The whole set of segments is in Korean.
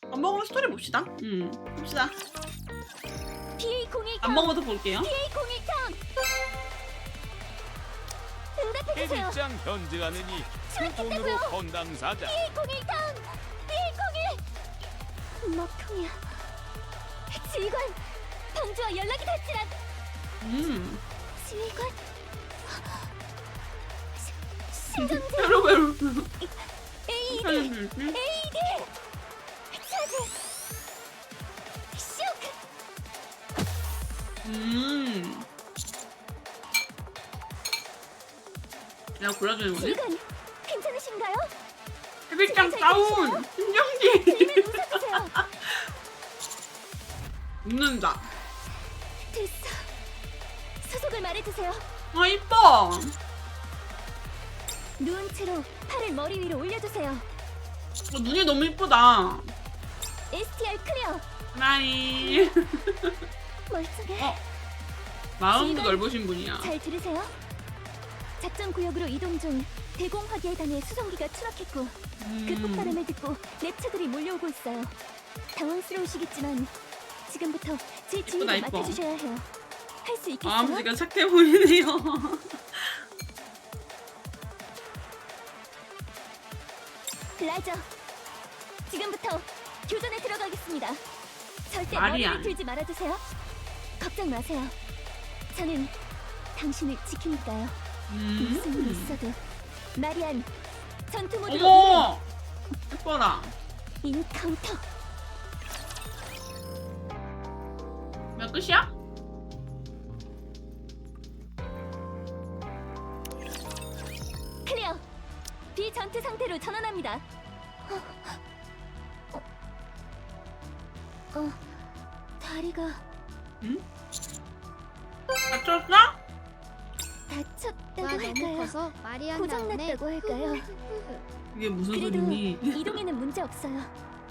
밥 먹으면 스토리 봅시다. 봅시다. BA01 밥 먹어도 볼게요. BA01 턴! 응답해주세요. 해질장 현직하느니 수락했다고요. 돈으로 건당사자. BA01 턴! BA01! 먹통이야. 지휘관! 방주와 연락이 닿질 않... 지휘관? 심정지! 여러분. AED! AED! 차지! 쇼크! 내가 골라주는 거지? 지휘관! 괜찮으신가요? 해bil장 다운! 심정지! 힘을 웃어주세요. 웃는다. 됐어. 소속을 말해주세요. 아 이뻐! 누운 채로 팔을 머리 위로 올려주세요. 눈이 너무 이쁘다. STR 클리어. 나이. 멀쩡해. 마음도 지휘관, 넓으신 분이야. 잘 들으세요. 작전 구역으로 이동 중 대공 화기에 당해 수송기가 추락했고 그 폭발음을 듣고 랩처들이 몰려오고 있어요. 당황스러우시겠지만 지금부터 제 지휘를 이뻐. 맡아주셔야 해요. 할 수 있겠어요? 마음씨가 착해 보이네요. 라저, 지금부터 교전에 들어가겠습니다. 절대 말이야. 머리를 들지 말아주세요. 걱정 마세요. 저는 당신을 지키니까요. 무슨 일이 있어도 마리안, 전투 모드로 어머! 예뻐라. 인카운터. 몇 끝이야? 클리어. 비전투 상태로 전환합니다. 다리가 다쳤어? 다쳤다고 와 너무 할까요? 커서 말이 안 나오네. 고장났다고 할까요? 이게 무슨 그래도 소리니? 이동에는 문제 없어요.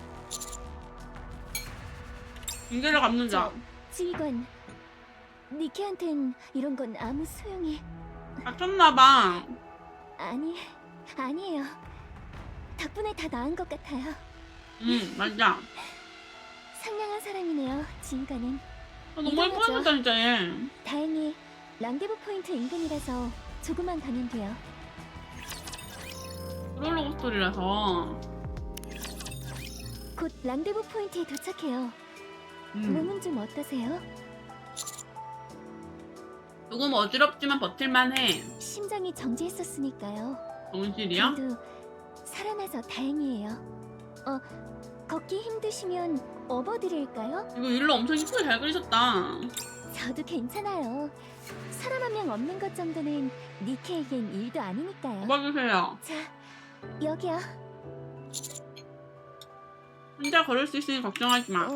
인계를 갚는다. 지휘관, 니키한텐 이런 건 아무 소용이... 다쳤나봐. 아니에요. 덕분에 다 나은 것 같아요. 맞아. 상냥한 사람이네요, 지휘관은. 너무 이동하죠. 예뻐졌다 진짜 얘. 다행히 랑데부 포인트 인근이라서 조금만 가면 돼요. 롤러고 스토리라서. 곧 랑데부 포인트에 도착해요. 몸은 좀 어떠세요? 조금 어지럽지만 버틸만해. 심장이 정지했었으니까요. 정실이야? 그래도 살아나서 다행이에요. 걷기 힘드시면 업어드릴까요? 이거 일로 엄청 이쁘게 잘 그리셨다. 저도 괜찮아요. 사람 한 명 없는 것 정도는 니케에겐 일도 아니니까요. 뽑아주세요. 자, 여기요. 혼자 걸을 수 있으니 걱정하지 마.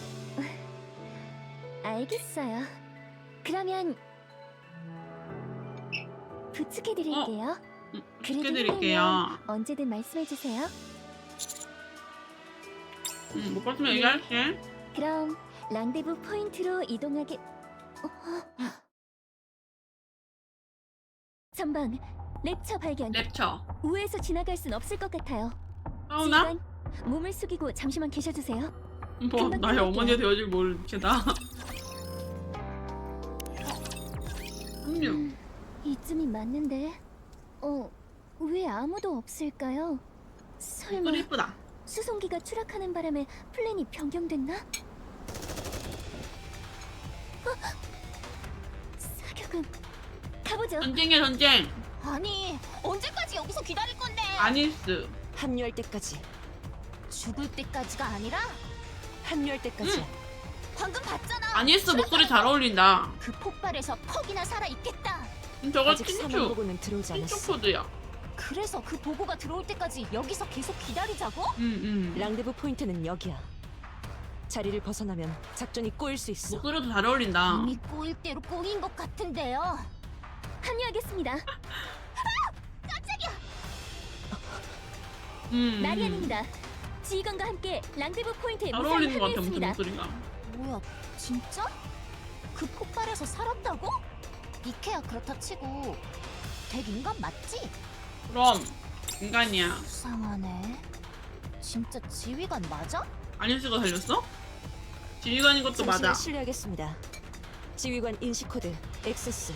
알겠어요. 그러면 부축해드릴게요. 그래도 부탁드릴게요. 힘들면 언제든 말씀해주세요. 못 봤으면 얘기할게. 그럼 랑데부 포인트로 이동하게... 전방 랩처 발견. 랩쳐. 우회해서 지나갈 순 없을 것 같아요. 싸우나? 지휘관, 몸을 숙이고 잠시만 계셔주세요. 뭐 금방 나의 끝낼게요. 어머니가 되어줄 모르겠다. 합류. 이쯤이 맞는데... 왜 아무도 없을까요? 설마 소리 이쁘다. 수송기가 추락하는 바람에 플랜이 변경됐나? 사격은... 가보죠. 전쟁이야 전쟁. 아니, 언제까지 여기서 기다릴 건데? 아니스. 합류할 때까지. 죽을 때까지가 아니라 합류할 때까지. 방금 봤잖아. 아니스 목소리 잘 어울린다. 그 폭발에서 퍽이나 살아있겠다. 저거 아직 사망 틴추. 보고는 들어오지 틴추 않았어. 코드야. 그래서 그 보고가 들어올 때까지 여기서 계속 기다리자고? 랑데부 포인트는 여기야. 자리를 벗어나면 작전이 꼬일 수 있어. 목소리도 잘 어울린다. 이미 꼬일 대로 꼬인 것 같은데요. 합류하겠습니다. 마리안입니다. 지휘관과 함께 랑데부 포인트에 잘 무사히 어울리는 것 같아 무슨 합류했습니다. 목소리가. 뭐야, 진짜? 그 폭발에서 살았다고? 니케야 그렇다 치고 덱 인간 맞지? 그럼 인간이야. 수상하네. 진짜 지휘관 맞아? 아니스가 살렸어? 지휘관인 것도 당신을 맞아. 신뢰하겠습니다. 지휘관 인식 코드 액세스.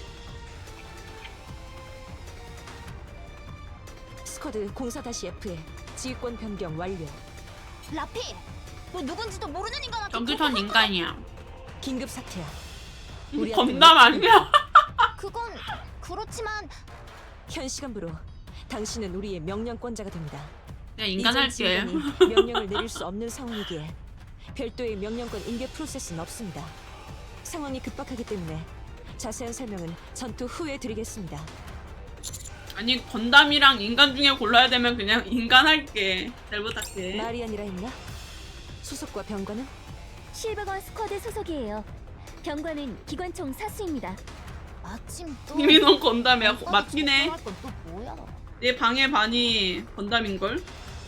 스쿼드 04-F에 지휘권 변경 완료. 라피, 너 누군지도 모르는 인간한테 정규선 인간이야. 긴급 사태야. 건담 아니야? 그건 그렇지만 현 시간부로 당신은 우리의 명령권자가 됩니다. 그냥 인간 할게. 지휘관이 명령을 내릴 수 없는 상황이기에 별도의 명령권 인계 프로세스는 없습니다. 상황이 급박하기 때문에 자세한 설명은 전투 후에 드리겠습니다. 아니 건담이랑 인간 중에 골라야 되면 그냥 인간 할게. 잘 부탁해. 마리안이라 했나? 수속과 병관은? 실버건 스쿼드 소속이에요. 병관은 기관총 사수입니다. 마침 또 이미 넌 건담이야. 맞긴 해. 건또 뭐야? 내 방의 반이 건담인걸?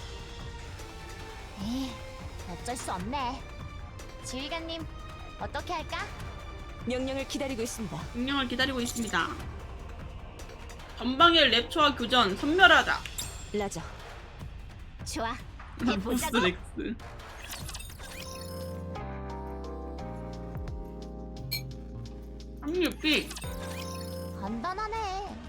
에이, 어쩔 수 없네. 지휘관님, 어떻게 할까? 명령을 기다리고 있습니다. 명령을 기다리고 있습니다. 전방의 랩처와 교전 선멸하자. 라저. 좋아. 보스 해보자고. 렉스. 합류비. 간단하네.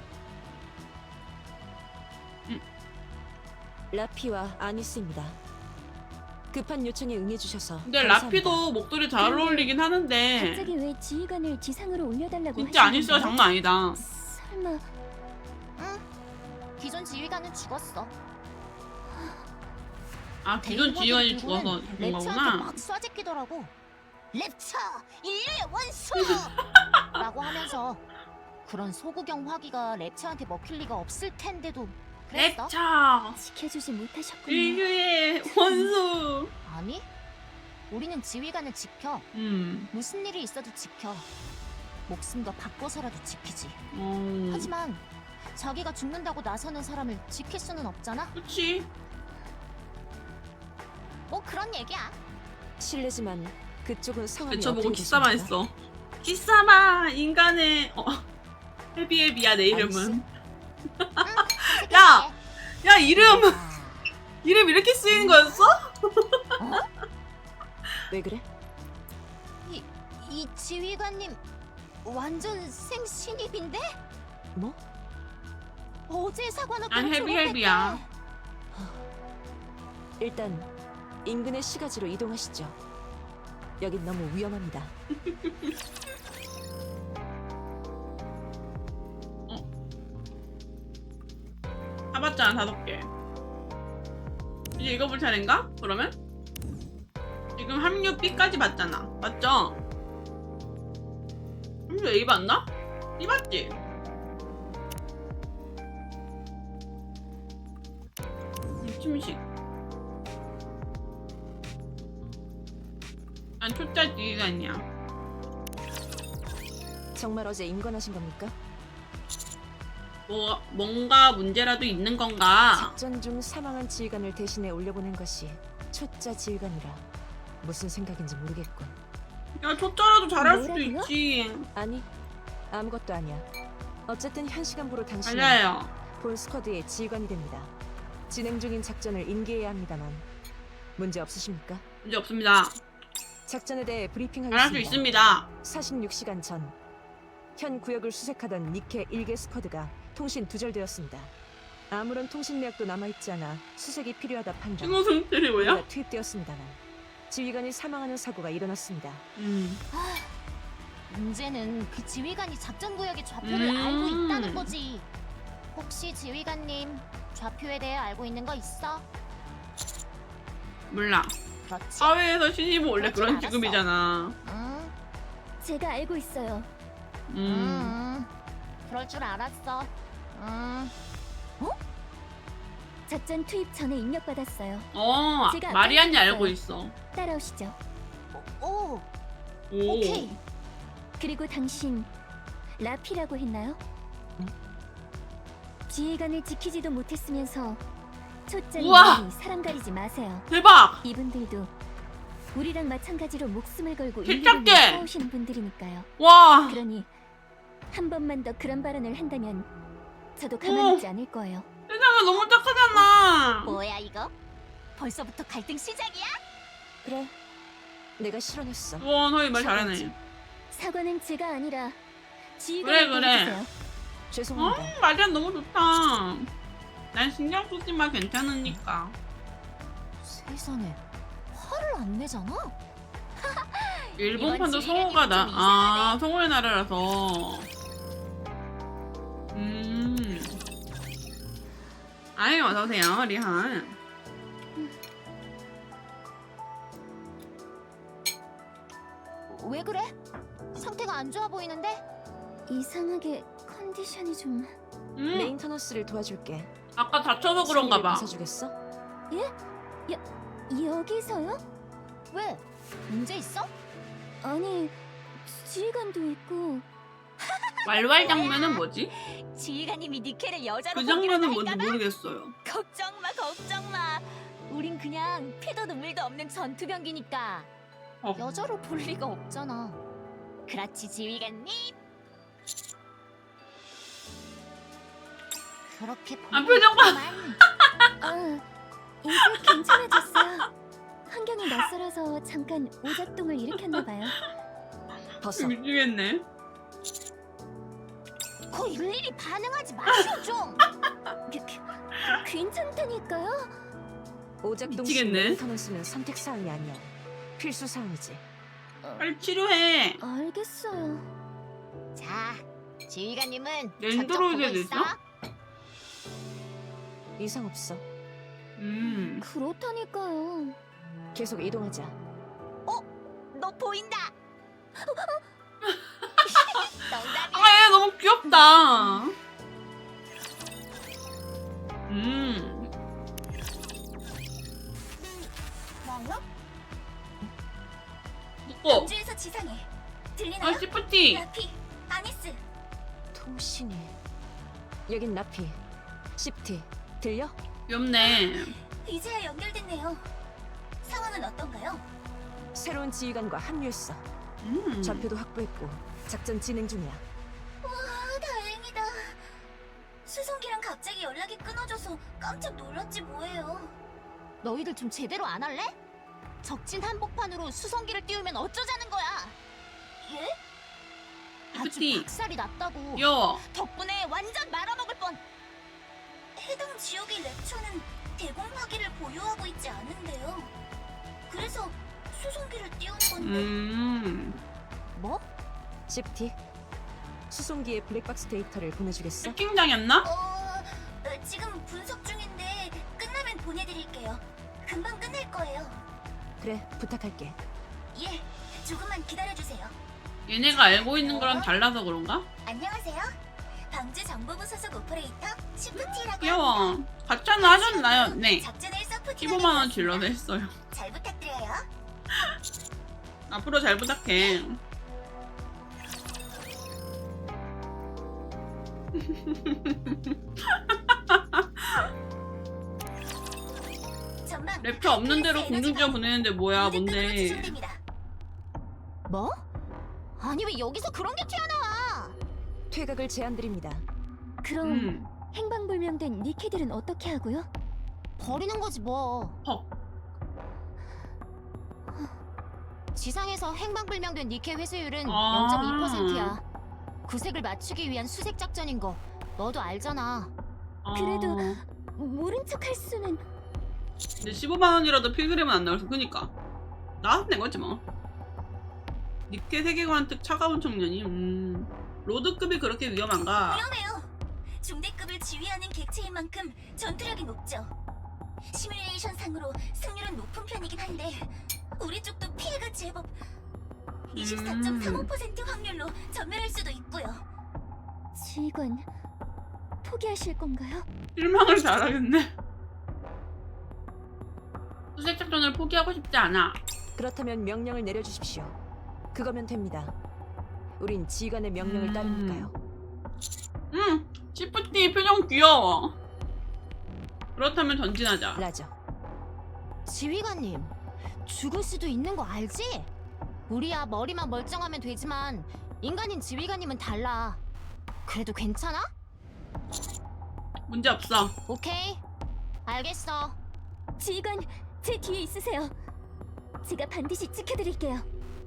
라피와 아니스입니다. 급한 요청에 응해주셔서 근데 감사합니다. 라피도 목소리 잘 어울리긴 하는데 갑자기 왜 지휘관을 지상으로 올려달라고 진짜 하시는 아니스가 거야? 장난 아니다. 설마? 응. 기존 지휘관은 죽었어. 아 기존 지휘관이 죽어서 죽은 랩처한테 거구나. 막 쏴제끼더라고. 랩처! 인류의 원수! 라고 하면서 그런 소구경 화기가 랩처한테 먹힐 리가 없을 텐데도 그랬어? 랩처 지켜주지 못하셨군요. 인류의 원수. 아니, 우리는 지휘관을 지켜. 무슨 일이 있어도 지켜. 목숨도 바꿔서라도 지키지. 하지만 자기가 죽는다고 나서는 사람을 지킬 수는 없잖아? 그치. 뭐 그런 얘기야. 실례지만 그쪽은 성함이 저보고 어떻게 키사마 되십니까? 했어. 키사마 인간의 헤비헤비야 내 이름은. 야! 야 이름 이름 이렇게 쓰이는 거였어? 왜 그래? 이 지휘관님 완전 생신입인데? 뭐? 어제 사관학교 난 헤비헤비야. 일단 인근의 시가지로 이동하시죠. 여긴 너무 위험합니다. 사봤잖아 5개. 이제 읽어볼 차례인가? 그러면? 지금 합류 B까지 봤잖아. 맞죠? 합류 A 봤나? B 봤지? 침식. 난 초짜 지휘관이야. 정말 어제 임관하신 겁니까? 뭔가 문제라도 있는 건가? 작전 중 사망한 지휘관을 대신해 올려보낸 것이 초짜 지휘관이라 무슨 생각인지 모르겠군. 야 초짜라도 잘할 수도 뭐라고요? 있지. 아니, 아무것도 아니야. 어쨌든 현 시간부로 당신은 맞아요. 본 스쿼드의 지휘관이 됩니다. 진행 중인 작전을 인계해야 합니다만 문제 없으십니까? 문제 없습니다. 작전에 대해 브리핑하겠습니다. 잘할 수 있습니다. 46시간 전 현 구역을 수색하던 니케 1개 스쿼드가 통신 두절되었습니다. 아무런 통신 내역도 남아있지 않아 수색이 필요하다 판단. 신호 상태이 뭐야? 우리가 투입되었습니다만 지휘관이 사망하는 사고가 일어났습니다. 문제는 그 지휘관이 작전 구역의 좌표를 알고 있다는 거지. 혹시 지휘관님 좌표에 대해 알고 있는 거 있어? 몰라. 그렇지. 사회에서 신입은 원래 그렇진 그런 않았어. 직업이잖아. 응. 제가 알고 있어요. 그럴 줄 알았어. 어? 작전 투입 전에 입력받았어요. 제가 마리안이 알고 알고 있어요. 있어. 따라오시죠. 오, 오. 오케이. 그리고 당신 라피라고 했나요? 지휘관을 지키지도 못했으면서 우와! 초짜님이 사람 가리지 마세요. 대박! 이분들도 우리랑 마찬가지로 목숨을 걸고 필적게! 인류를 위해 싸우시는 분들이니까요. 와! 그러니 한 번만 더 그런 발언을 한다면 저도 가만히 있지 않을 거예요. 세상에 너무 착하잖아. 뭐야 이거? 벌써부터 갈등 시작이야? 그래, 내가 실언했어. 우와 너희 말 잘하네. 사과는 제가 아니라 지휘관이 그래, 그래. 도와주세요. 죄송합니다. 마리안 너무 좋다. 난 신경 쓰지 마 괜찮으니까. 세상에 화를 안 내잖아. 일본판도 이번 성우가 나. 지휘관이 좀 아 이상하네. 성우의 나라라서. 아이 어서 오세요 리한. 왜 그래? 상태가 안 좋아 보이는데? 이상하게 컨디션이 좀... 메인터너스를 도와줄게. 아까 다쳐서 그런가 봐. 벗어주겠어? 여기서요? 왜? 문제 있어? 아니, 지휘관도 있고... 왈왈 장면은 뭐지? 지휘관님이 니케를 여자로 그 장면은 뭔지 모르겠어요. 걱정 마, 걱정 마. 우린 그냥 피도 눈물도 없는 전투병기니까 어. 여자로 볼 리가 없잖아. 그렇지, 지휘관님. 그렇게 아, 표정 봐. 아, 이제 괜찮아졌어요. 환경이 낯설어서 잠깐 오작동을 일으켰나 봐요. 벗어. 미치겠네. 거 일일이 반응하지 마시오 좀. 괜찮다니까요. 오작동 씨 미치겠네. 메인터너스는 선택 사항이 아니야. 필수 사항이지. 빨리 치료해. 알겠어요. 자, 지휘관님은 랜드로이드에도 있어? 이상 없어. 그렇다니까요. 계속 이동하자. 너 보인다. 농담이야. 아, 얘 너무 귀엽다. 뭐요? 묶어. 우주에서 지상에 아, 들리나요? 시프티. 라피, 아니스. 통신이. 여긴 나피. 시프티. 들려? 귀엽네. 이제야 연결됐네요. 상황은 어떤가요? 새로운 지휘관과 합류했어. 좌표도 확보했고 작전 진행 중이야. 와, 다행이다. 수송기랑 갑자기 연락이 끊어져서 깜짝 놀랐지 뭐예요. 너희들 좀 제대로 안 할래? 적진 한복판으로 수송기를 띄우면 어쩌자는 거야? 예? 아주 시프티. 박살이 났다고. 귀여워. 덕분에 완전 말아먹을 뻔. 해당 지역의 랩처는 대공 화기를 보유하고 있지 않은데요. 그래서 수송기를 띄운 건데. 뭐? 시프티. 수송기의 블랙박스 데이터를 보내주겠어? 해킹당했나? 지금 분석 중인데 끝나면 보내드릴게요. 금방 끝날 거예요. 그래, 부탁할게. 예, 조금만 기다려주세요. 얘네가 알고 있는 거랑 달라서 그런가? 안녕하세요. 방주정보부 소속 오퍼레이터 시프티라고 귀여워. 합니다. 가차는 하셨나요? 네. 작전을 서포트 15만원 질러서 했어요. 잘 부탁드려요. 앞으로 잘 부탁해. 전방 랩처 없는 대로 공중전 보내는데 뭐야 모든 뭔데. 급으로 지정됩니다. 뭐? 아니 왜 여기서 그런 게 튀어나와? 퇴각을 제안드립니다. 그럼 행방불명된 니케들은 어떻게 하고요? 버리는 거지 뭐. 헉. 지상에서 행방불명된 니케 회수율은 아. 0.2%야. 구색을 맞추기 위한 수색 작전인 거 너도 알잖아. 그래도 모른 척 할 수는. 근데 15만원이라도 필그램은 안 나와서 그니까 나한테 낸 거지 뭐. 니케 세계관 특 차가운 청년이 로드급이 그렇게 위험한가? 위험해요. 중대급을 지휘하는 객체인 만큼 전투력이 높죠. 시뮬레이션 상으로 승률은 높은 편이긴 한데 우리 쪽도 피해가 제법 24.35% 확률로 전멸할 수도 있고요. 지휘관 포기하실 건가요? 실망을 잘하겠네. 수색 작전을 포기하고 싶지 않아. 그렇다면 명령을 내려주십시오. 그거면 됩니다. 우린 지휘관의 명령을 따르니까요. 시프티 표정 귀여워. 그렇다면 전진하자. 라저. 지휘관님, 죽을 수도 있는 거 알지? 우리야 머리만 멀쩡하면 되지만 인간인 지휘관님은 달라. 그래도 괜찮아? 문제 없어. 오케이, 알겠어. 지휘관, 제 뒤에 있으세요. 제가 반드시 지켜드릴게요.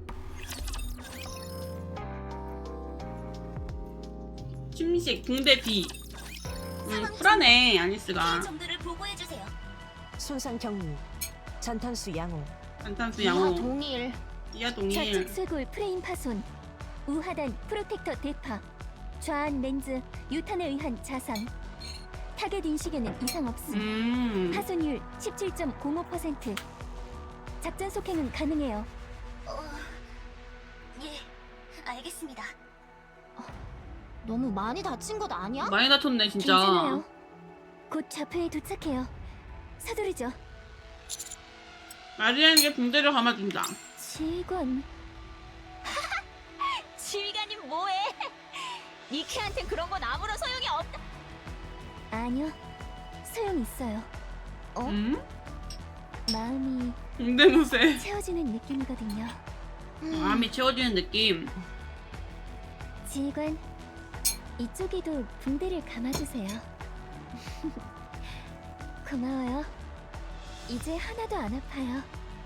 침식 붕대 B. 쿨하네 아니스가. 정도를 보고해 주세요. 손상 경미, 잔탄수 양호, 안탄수 양호. 동일. 이하 좌측 동일. 쇄골 프레임 파손. 우하단 프로텍터 대파. 좌안 렌즈 유탄에 의한 자상. 타겟 인식에는 이상 없음. 파손율 17.05%. 작전 속행은 가능해요. 예, 알겠습니다. 너무 많이 다친 것 아니야? 많이 다쳤네 진짜. 괜찮아요. 곧 좌표에 도착해요. 서두르죠. 마리안에게 붕대를 감아준다. 지휘관. 지휘관이 뭐해? 니키한텐 그런 건 아무런 소용이 없다. 아니요. 소용 있어요. 마음이 붕대 무쇠. 채워지는 느낌이거든요. 마음이 채워지는 느낌. 지휘관, 이쪽에도 붕대를 감아주세요. 고마워요. 이제 하나도 안 아파요.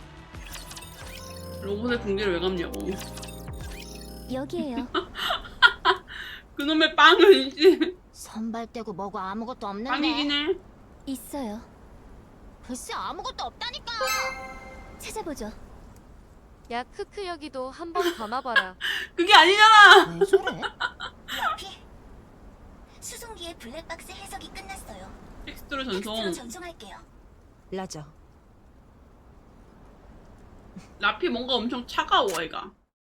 로봇의 붕대를 왜 감냐고. 여기에요. 그놈의 빵은 씨. 선발 떼고 뭐고 아무것도 없는데. 빵이긴 해. 있어요. 글쎄 아무것도 없다니까. 찾아보죠. 야 크크 여기도 한번 감아봐라. 그게 아니잖아. 왜 저래? 라피, 수송기의 블랙박스 해석이 끝났어요. 텍스트로 텍스트로 전송. 전송할게요. 라저. 라피 뭔가 엄청 차가워 얘가.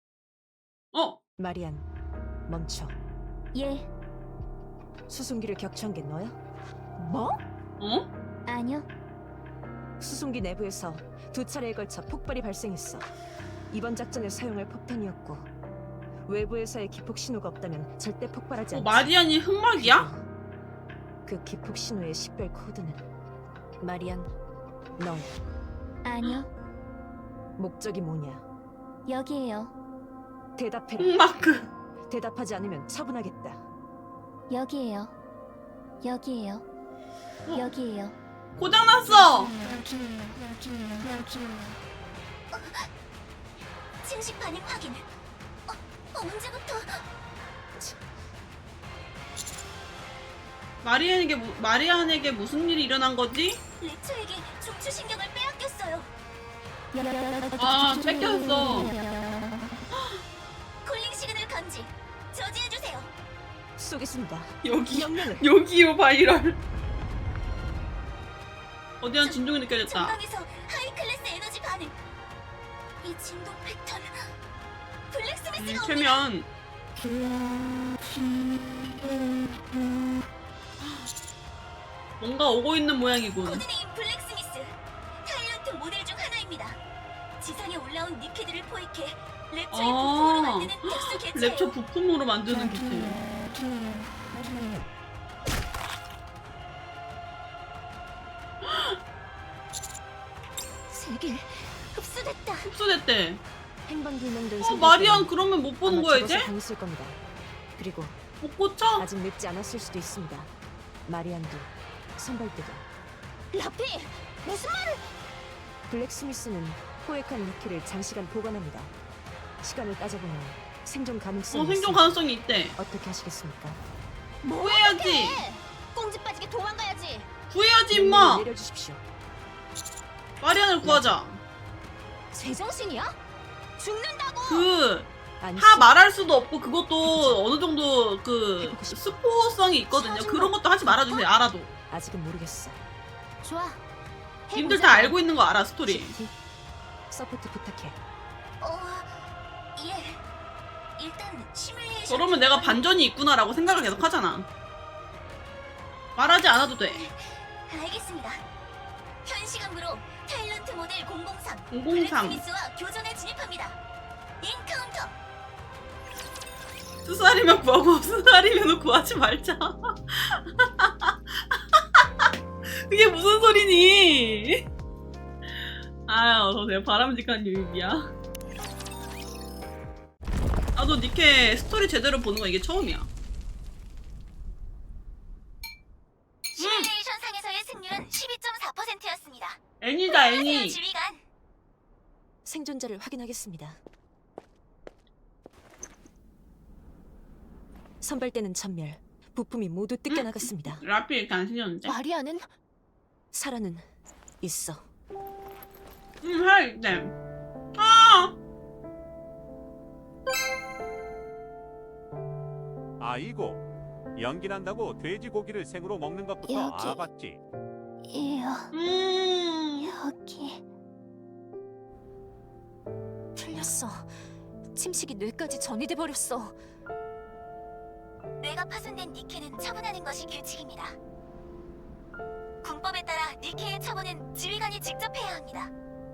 마리안, 멈춰. 예, 수송기를 격추한 게 너야? 뭐? 어? 아니요. 수송기 내부에서 2차례에 걸쳐 폭발이 발생했어. 이번 작전에 사용할 폭탄이었고 외부에서의 기폭 신호가 없다면 절대 폭발하지 않지. 마리안이 흑막이야? 그 기폭 신호의 식별 코드는 마리안, 너 아니요. 목적이 뭐냐? 여기에요. 대답해라. 흑마크. 대답하지 않으면 처분하겠다. 여기에요. 여기에요. 여기에요. 고장났어. 침식 반응 확인. 언제부터? 마리안에게 무슨 일이 일어난 거지? 레초에게 중추신경을 빼앗겼어요. 아, 뺏겼어. 콜링 시그널 감지. 저지해주세요. 쏘겠습니다. 여기 명령을. 여기요 바이럴. 어디한 진동이 느껴졌다. 전방에서 하이 클래스 에너지 반응. 이 진동 패턴. 블랙스미스가 옵니다. 최면. 뭔가 오고 있는 모양이군. 코드네임 블랙스미스. 타일런트 모델 중 하나입니다. 지상에 올라온 니케들을 포획해 랩처의 부품으로 만드는 특수 개체예요. 랩처 부품으로 만드는 기체. 세계 흡수됐다. 흡수됐대. 행방불명된 마리안 그러면 못 보는 거야 이제? 당했을 겁니다. 그리고 못 고쳐? 아직 늦지 않았을 수도 있습니다. 마리안도 선발대도. 라피 무슨 말을? 블랙스미스는 포획한 니켈을 장시간 보관합니다. 시간을 따져보면 생존 가능성이 생존 있습니다. 가능성이 있대. 어떻게 하시겠습니까? 구해야지. 꽁지 빠지게 도망가야지. 구해야지 임마. 내려주십시오. 마리안을 구하자. 제정신이야? 죽는다고. 아니, 다 말할 수도 없고 그것도 어느 정도 그 스포성이 있거든요. 그런 것도 하지 말아주세요. 알아도. 아직은 모르겠어. 좋아. 님들 다 알고 있는 거 알아 스토리. GT, 서포트 부탁해. 예. 일단 시뮬레이션. 저러면 내가 반전이 있구나라고 생각을 계속 하잖아. 말하지 않아도 돼. 알겠습니다. 현 시간으로 타일런트 모델 003 003. 블랙스미스와 교전에 진입합니다. 인카운터. 수살이면 구하고 수살이면 구하지 말자. 그게 무슨 소리니? 아유, 너 내가 바람직한 유입이야. 나도 니케 스토리 제대로 보는 거 이게 처음이야. 시뮬레이션 상에서의 승률은 12.4%였습니다. 애니다 애니. 지휘관. 생존자를 확인하겠습니다. 선발대는 전멸, 부품이 모두 뜯겨나갔습니다. 라피 이렇게 안 생겼는데? 마리아는 사라는 있어. 할 때. 아! 아이고, 연기 난다고 돼지고기를 생으로 먹는 것부터 여기. 알아봤지. 여기 틀렸어. 침식이 뇌까지 전이돼 버렸어. 뇌가 파손된 니케는 처분하는 것이 규칙입니다. 군법에 따라 니케의 처분은 지휘관이 직접 해야 합니다.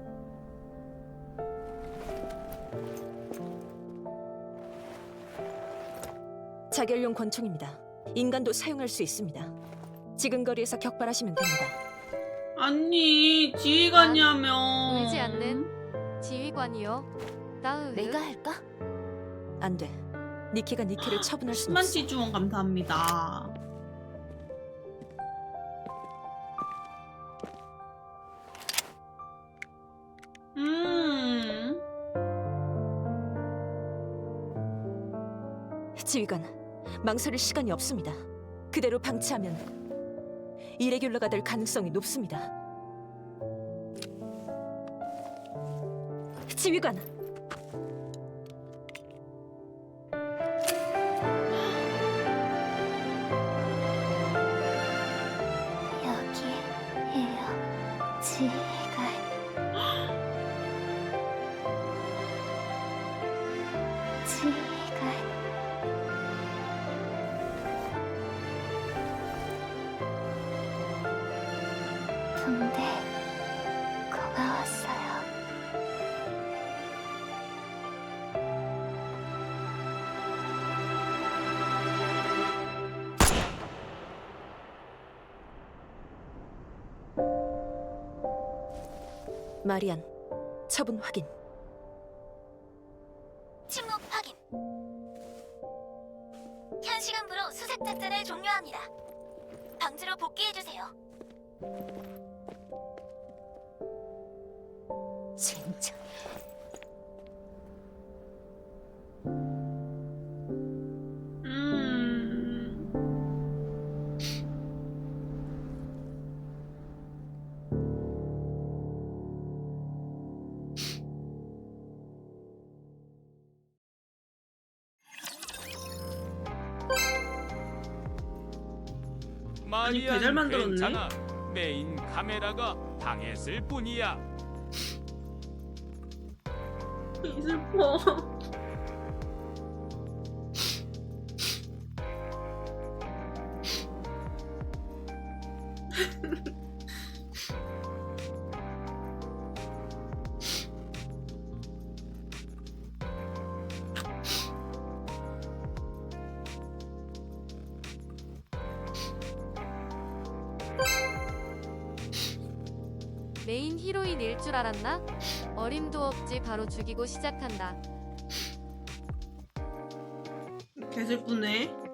자결용 권총입니다. 인간도 사용할 수 있습니다. 지금 거리에서 격발하시면 됩니다. 아니, 지휘관이라면. 울지 않는 지휘관이요. 따으. 내가 할까? 안 돼. 니케가 니케를 처분할 수는 10만 없어. 치 주원 감사합니다. 지휘관, 망설일 시간이 없습니다. 그대로 방치하면 이레귤러가 될 가능성이 높습니다. 지휘관, 여기에요. 지휘관. 지휘관. 붕대 고마웠어요. 마리안, 처분 확인. 침묵 확인. 현 시간부로 수색 작전을 종료합니다. 방지로 복귀해주세요. 진짜. 마리안 배달 만들었네. 괜찮아. 메인 카메라가 당했을 뿐이야. 슬퍼. 메인 히로인일 줄 알았나? 어림도 없지 바로 죽이고 시작한다. 개슬프네.